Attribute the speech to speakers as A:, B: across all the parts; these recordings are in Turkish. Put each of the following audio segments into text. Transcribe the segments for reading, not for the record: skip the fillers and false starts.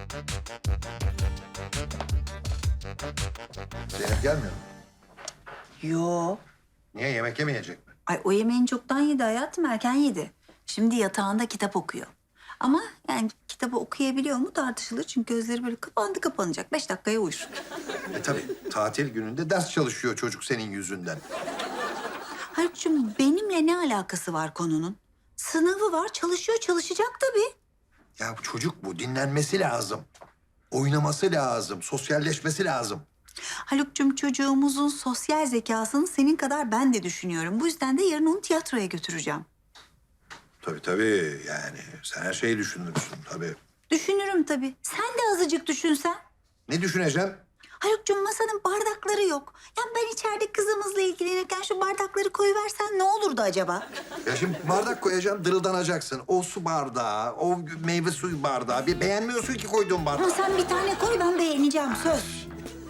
A: Zeynep gelmiyor mu?
B: Yo.
A: Niye, yemek yemeyecek mi?
B: Ay o yemeğini çoktan yedi hayatım, erken yedi. Şimdi yatağında kitap okuyor. Ama yani kitabı okuyabiliyor mu tartışılır. Çünkü gözleri böyle kapanacak. 5 dakikaya uyur.
A: Tabii tatil gününde ders çalışıyor çocuk senin yüzünden.
B: Haluk'cum benimle ne alakası var konunun? Sınavı var, çalışacak tabii.
A: Ya bu çocuk bu, dinlenmesi lazım. Oynaması lazım, sosyalleşmesi lazım.
B: Haluk'cum çocuğumuzun sosyal zekasını senin kadar ben de düşünüyorum. Bu yüzden de yarın onu tiyatroya götüreceğim.
A: Tabii yani sen her şeyi düşünürsün tabii.
B: Düşünürüm tabii. Sen de azıcık düşünsen.
A: Ne düşüneceğim?
B: Haluk'cum masanın bardakları yok. Ya ben içeride kızımızla ilgilenirken şu bardakları koyuversen ne olurdu acaba?
A: Ya şimdi bardak koyacağım, dırıldanacaksın. O su bardağı, o meyve suyu bardağı. Bir beğenmiyorsun ki koyduğun
B: Ama
A: bardağı.
B: sen bir tane koy, ben beğeneceğim söz.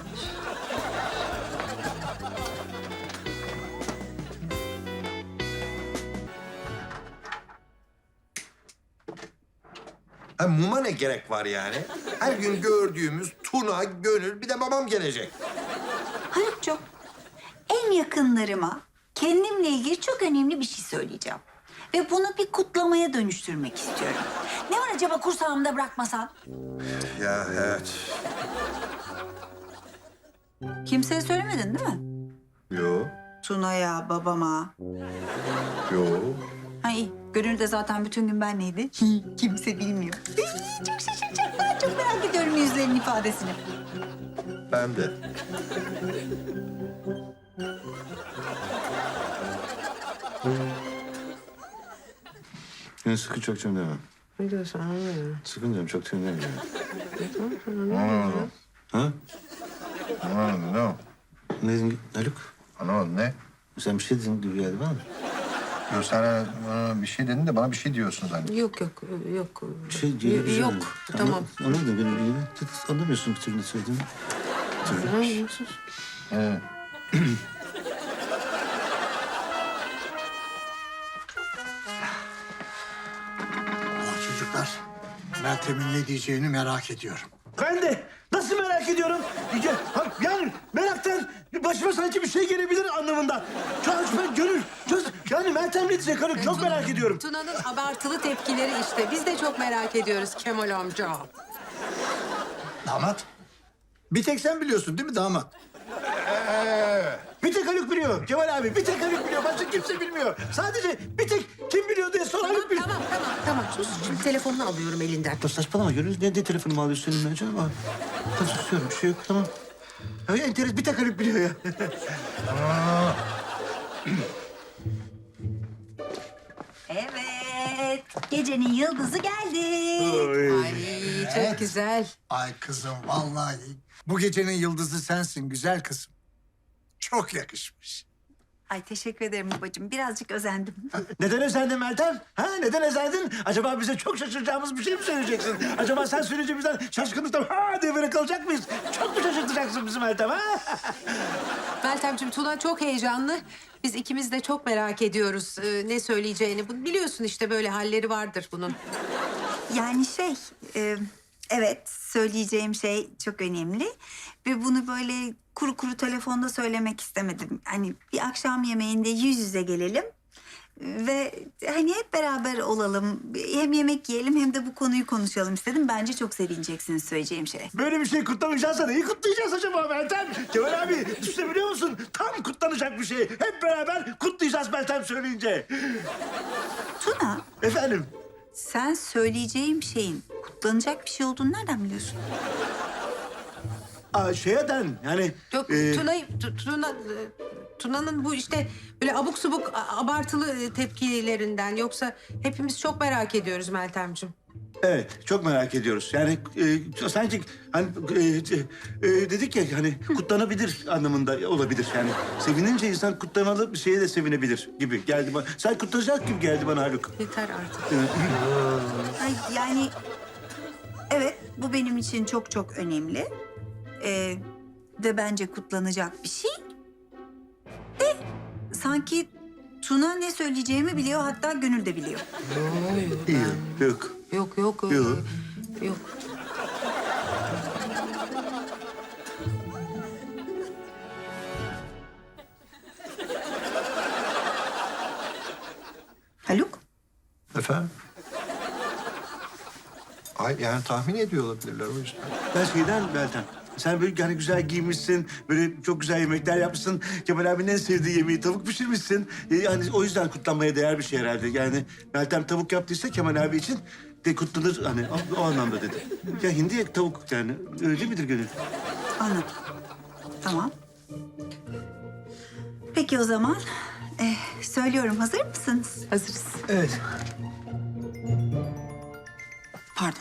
A: Ha, muma ne gerek var yani? Her gün gördüğümüz Tuna, Gönül, bir de babam gelecek.
B: Haluk'cum en yakınlarıma kendimle ilgili çok önemli bir şey söyleyeceğim. Ve bunu bir kutlamaya dönüştürmek istiyorum. Ne var acaba kursağımda bırakmasan?
A: Ya evet.
B: Kimseye söylemedin değil mi?
A: Yo,
B: Tuna'ya, babama.
A: yo.
B: Ha iyi. Gönül de zaten bütün gün benleydi. Kimse bilmiyor. Çok şaşıracaklar. Çok merak ediyorum yüzlerinin ifadesini.
A: Ben de.
C: Yani sıkı çok tüm deme.
D: Ne diyorsun anlamıyorum.
C: Sıkın diyorum çok tüm deme.
A: Anlamadım.
C: Ha?
A: Anlamadım, ne o?
C: Ne dedin Haluk?
A: Anlamadım, ne?
C: Sen bir şey dedin gibi geldi bana.
A: Yok, sen bana bir şey dedin de bana bir şey diyorsun zannettim.
D: Yok.
C: Bir şey diyor. güzel.
D: Yok, tamam.
C: Anladın benim ilgili. Anlamıyorsun bir türlü ne söylediğimi.
D: Anlamıyorsun.
A: Evet.
E: Çocuklar, Meltem'in ne diyeceğini merak ediyorum.
F: Ben de nasıl merak ediyorum. Yani meraktan başıma sanki bir şey gelebilir anlamında. Ben Gönül, yani Meltem ne diyecek Haluk çok merak ediyorum.
D: Tuna'nın abartılı tepkileri işte. Biz de çok merak ediyoruz Kemal amca.
E: Damat, bir tek sen biliyorsun değil mi damat?
F: Bir tek Haluk biliyor Kemal abi, bir tek Haluk biliyor. Başka kimse bilmiyor. Sadece bir tek kim biliyor diye sor Haluk biliyor.
D: Tamam. Sus. Şimdi telefonunu alıyorum elinden.
C: Ya saçmalama Gönül. Ne telefonumu alıyorsun elimden canım? Tamam susuyorum bir şey yok tamam.
F: Ya enteres bir tek Haluk biliyor ya.
B: Evet. Gecenin yıldızı geldi.
D: Ay çok güzel.
E: Ay kızım, vallahi bu gecenin yıldızı sensin güzel kızım. Çok yakışmış.
B: Ay teşekkür ederim babacığım. Birazcık özendim.
F: Neden özendin Meltem? Ha neden özendin? Acaba bize çok şaşıracağımız bir şey mi söyleyeceksin? Acaba sen söyleyince bizden şaşkınlıktan ha diye böyle kalacak mıyız? Çok mu şaşırtacaksın bizi Meltem ha?
D: Meltemciğim Tuna çok heyecanlı. Biz ikimiz de çok merak ediyoruz ne söyleyeceğini. Biliyorsun işte böyle halleri vardır bunun.
B: Yani evet söyleyeceğim şey çok önemli. Ve bunu böyle kuru kuru telefonda söylemek istemedim. Hani bir akşam yemeğinde yüz yüze gelelim. Ve hani hep beraber olalım. Hem yemek yiyelim hem de bu konuyu konuşalım istedim. Bence çok sevineceksiniz söyleyeceğim şey.
F: Böyle bir şey kutlamayacağız da neyi kutlayacağız acaba Meltem? Kemal abi düşünebiliyor musun? Tam kutlanacak bir şey. Hep beraber kutlayacağız Meltem söyleyince.
B: Tuna,
F: Efendim?
B: sen söyleyeceğim şeyin kutlanacak bir şey olduğunu nereden biliyorsun?
F: Şeyden yani...
D: Yok Tuna'nın bu işte böyle abuk subuk abartılı tepkilerinden. Yoksa hepimiz çok merak ediyoruz Meltemciğim.
F: Evet, çok merak ediyoruz. Yani sanki hani dedik ya hani kutlanabilir anlamında olabilir. Yani sevinince insan kutlanalı bir şeye de sevinebilir gibi geldi bana. Sen kutlanacak gibi geldi bana Haluk.
D: Yeter artık.
B: Ay, yani evet bu benim için çok çok önemli. Ve bence kutlanacak bir şey. De sanki Tuna ne söyleyeceğimi biliyor, hatta Gönül de biliyor.
F: İyi, yok.
D: Yok.
F: Yok.
D: Yok.
A: Hayır yani tahmin ediyor olabilirler o yüzden.
F: Ben şeyden Meltem. Sen böyle hani güzel giymişsin, böyle çok güzel yemekler yapmışsın. Kemal abinin en sevdiği yemeği tavuk pişirmişsin. Hani o yüzden kutlanmaya değer bir şey herhalde. Yani Meltem tavuk yaptıysa Kemal abi için de kutlanır hani o anlamda dedi. Ya hindiye tavuk yani öyle midir Gönül?
B: Anladım. Tamam. Peki o zaman söylüyorum. Hazır mısınız?
D: Hazırız.
C: Evet.
B: Pardon.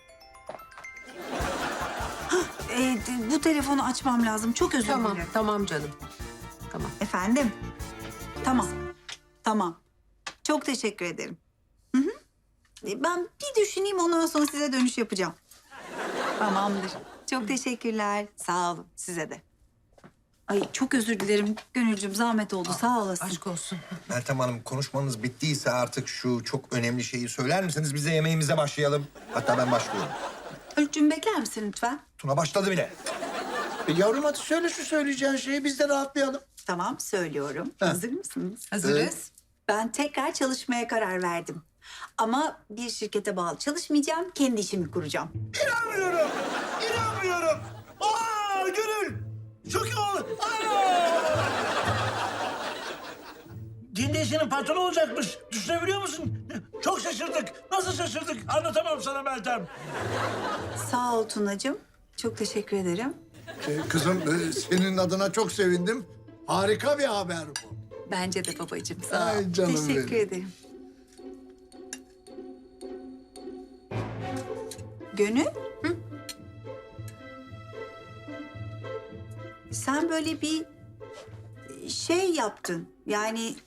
B: Bu telefonu açmam lazım. Çok özür
D: Tamam,
B: dilerim.
D: tamam canım. Tamam.
B: Efendim? Tamam. Tamam. Çok teşekkür ederim. Hı hı. Ben bir düşüneyim, ondan sonra size dönüş yapacağım. Tamamdır. Çok teşekkürler. Sağ olun. Size de. Ay çok özür dilerim Gönülcüm. Zahmet oldu. Sağ olasın.
D: Aşk olsun.
A: Meltem Hanım konuşmanız bittiyse artık şu çok önemli şeyi söyler misiniz? Biz de yemeğimize başlayalım. Hatta ben başlıyorum.
B: Haluk'cum bekler misin lütfen?
A: Tuna başladı bile.
E: Yavrum hadi söyle şu söyleyeceğin şeyi, biz de rahatlayalım.
B: Tamam söylüyorum. Hazır mısınız?
D: Hazırız.
B: Ben tekrar çalışmaya karar verdim. Ama bir şirkete bağlı çalışmayacağım. Kendi işimi kuracağım.
F: İnanmıyorum! İnanmıyorum! Aa Gönül! Çok iyi oldu! Kendi işinin patronu olacakmış. Düşünebiliyor musun? Çok şaşırdık. Nasıl şaşırdık? Anlatamam sana Meltem.
B: Sağ ol Tunacığım. Çok teşekkür ederim.
E: Kızım senin adına çok sevindim. Harika bir haber bu.
B: Bence de babacığım. Sağ ol.
E: Ay canım
B: Teşekkür
E: benim.
B: ederim. Gönül? Hı? Sen böyle bir şey yaptın. Yani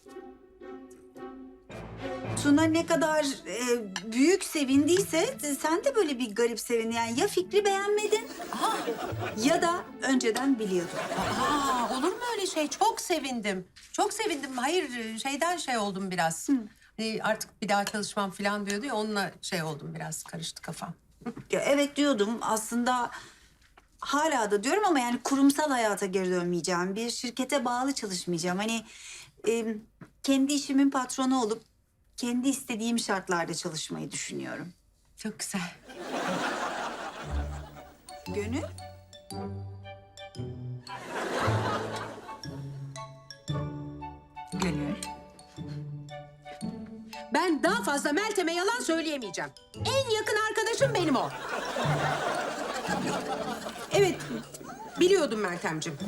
B: Tuna ne kadar büyük sevindiyse sen de böyle bir garip sevindin. Yani ya fikri beğenmedin ya da önceden biliyordun.
D: Aa, olur mu öyle şey? Çok sevindim. Çok sevindim. Hayır, şeyden şey oldum biraz. Artık bir daha çalışmam falan diyordu ya, onunla şey oldum biraz. Karıştı kafam.
B: Ya evet diyordum aslında, hala da diyorum ama yani kurumsal hayata geri dönmeyeceğim. Bir şirkete bağlı çalışmayacağım. Hani kendi işimin patronu olup kendi istediğim şartlarda çalışmayı düşünüyorum.
D: Çok güzel.
B: Gönül? Gönül.
D: Ben daha fazla Meltem'e yalan söyleyemeyeceğim. En yakın arkadaşım benim o. Evet, biliyordum Meltemciğim.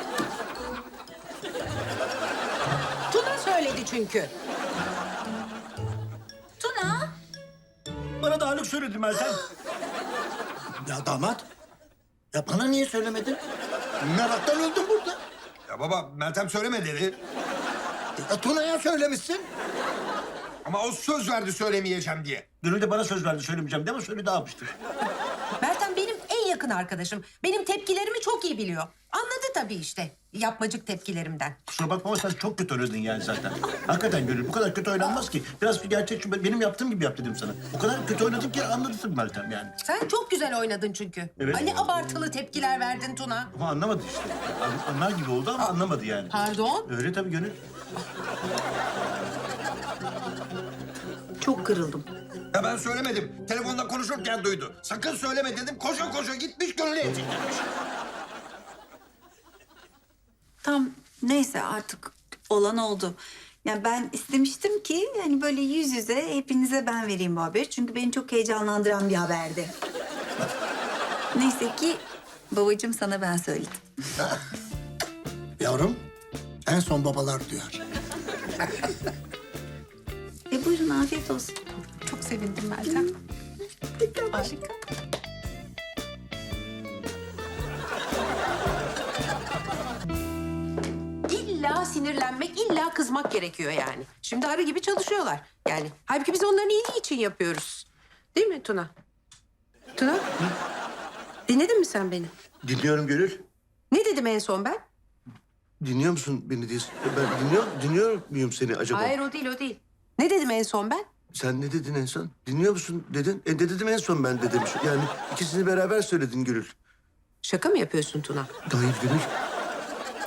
D: Tuna söyledi çünkü.
B: Tuna?
F: Bana da Haluk söyledi Meltem.
E: Ya damat, ya bana niye söylemedin? Meraktan öldüm burada.
A: Ya baba Meltem söyleme dedi.
E: Ya Tuna'ya söylemişsin.
A: Ama o söz verdi söylemeyeceğim diye.
F: Gönül de bana söz verdi söylemeyeceğim değil mi? Söyledi almıştır.
D: Meltem benim en yakın arkadaşım. Benim tepkilerimi çok iyi biliyor. Anladı tabii işte yapmacık tepkilerimden.
F: Kusura bakma ama sen çok kötü oynadın yani zaten. Hakikaten Gönül bu kadar kötü oynanmaz ki. Biraz bir gerçekçi benim yaptığım gibi yap dedim sana. O kadar kötü oynadın ki anladın Meltem yani.
D: Sen çok güzel oynadın çünkü.
F: Evet.
D: Hani abartılı tepkiler verdin Tuna.
F: Ama anlamadı işte. Anlar gibi oldu ama anlamadı yani.
D: Pardon?
F: Öyle tabii Gönül.
B: Çok kırıldım.
A: Ya ben söylemedim. Telefonda konuşurken duydu. Sakın söyleme dedim. Koşa koşa gitmiş Gönül'e etiklenmiş.
B: Tam neyse artık olan oldu. Yani ben istemiştim ki hani böyle yüz yüze hepinize ben vereyim bu haberi. Çünkü beni çok heyecanlandıran bir haberdi. Neyse ki babacığım sana ben söyledim.
E: Yavrum, en son babalar duyar.
B: Buyurun afiyet olsun.
D: Çok sevindim Meltem. Harika. İlla sinirlenmek, illa kızmak gerekiyor yani. Şimdi arı gibi çalışıyorlar. Yani halbuki biz onların iyiliği için yapıyoruz. Değil mi Tuna? Tuna? Dinledin mi sen beni?
F: Dinliyorum Gönül.
D: Ne dedim en son ben?
F: Dinliyor musun beni diye? Ben dinliyor muyum seni acaba?
D: Hayır o değil, o değil. Ne dedim en son ben?
F: Sen ne dedin en son? Dinliyor musun dedin. Ne dedim en son ben dedim. Yani ikisini beraber söyledin Gönül.
D: Şaka mı yapıyorsun Tuna?
F: Hayır Gönül.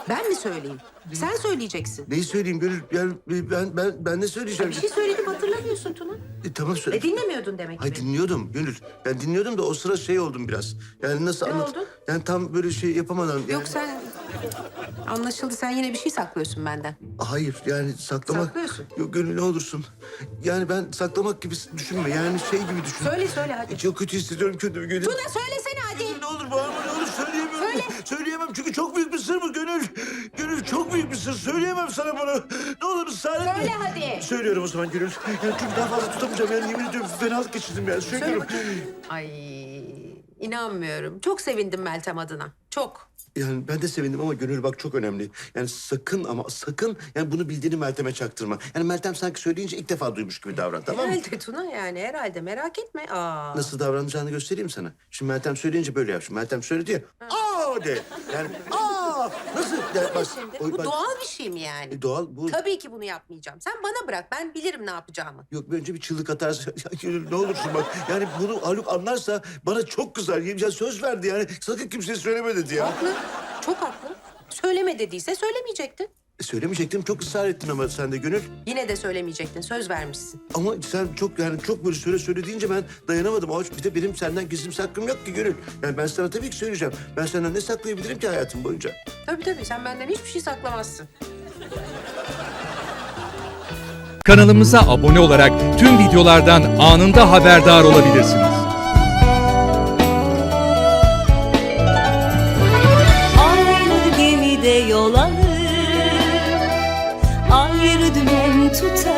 D: Ben mi söyleyeyim? Sen söyleyeceksin.
F: Neyi söyleyeyim Gönül? Yani ben ne söyleyeceğim?
D: Bir şey söyledim hatırlamıyorsun Tuna.
F: Tamam söyle.
D: Dinlemiyordun demek ki.
F: Hayır dinliyordum Gönül. Ben dinliyordum da o sıra şey oldum biraz. Yani nasıl
D: Ne
F: anlat?
D: oldu?
F: Yani tam böyle şey yapamadan. Yani...
D: Yok sen... Anlaşıldı sen yine bir şey saklıyorsun benden.
F: Hayır yani saklamak...
D: Saklıyorsun.
F: Yok Gönül ne olursun. Yani ben saklamak gibi düşünme. Yani şey gibi düşün.
D: Söyle hadi.
F: Çok kötü hissediyorum kendimi Gönül.
D: Tuna söylesene hadi.
F: Ne olur bağırma ne olur söyleyemiyorum.
D: Söyle.
F: Söyleyemem çünkü çok büyük bir sır bu Gönül. Gönül çok büyük bir sır. Söyleyemem sana bunu. Ne olur ısrar
D: Söyle hadi.
F: Söylüyorum o zaman Gönül. Yani çünkü daha fazla tutamayacağım. Yani yemin ediyorum fenalık geçirdim yani.
D: Söyle
F: Söylüyorum.
D: bakayım. Ay inanmıyorum. Çok sevindim Meltem adına. Çok.
F: Yani ben de sevindim ama Gönül bak çok önemli. Yani sakın ama sakın yani bunu bildiğini Meltem'e çaktırma. Yani Meltem sanki söyleyince ilk defa duymuş gibi davran tamam mı?
D: Herhalde Tuna yani herhalde merak etme. Aa.
F: Nasıl davranacağını göstereyim sana. Şimdi Meltem söyleyince böyle yap. Şimdi Meltem söyledi ya. Aa de. Yani aa nasıl? Yani
D: Bu ne
F: bak,
D: şimdi? Bu
F: bak,
D: doğal bir şey mi yani?
F: doğal bu.
D: Tabii ki bunu yapmayacağım. Sen bana bırak. Ben bilirim ne yapacağımı.
F: Yok önce bir çığlık atarsa ya Gönül ne olursun bak. Yani bunu Haluk anlarsa bana çok kızar. Ya söz verdi yani. Sakın kimseye söyleme dedi ya.
D: Haklı. Çok haklı. Söyleme dediyse söylemeyecektin.
F: Söylemeyecektim çok ısrar ettin ama sen de Gönül.
D: Yine de söylemeyecektin. Söz vermişsin.
F: Ama sen çok yani çok böyle söyle deyince ben dayanamadım. Ama bir de benim senden gizlim saklım yok ki Gönül. Yani ben sana tabii ki söyleyeceğim. Ben senden ne saklayabilirim ki hayatım boyunca?
D: Tabii sen benden hiçbir şey saklamazsın.
G: Kanalımıza abone olarak tüm videolardan anında haberdar olabilirsiniz.
H: Aynı gemide yol alır, ayrı dümen tutar.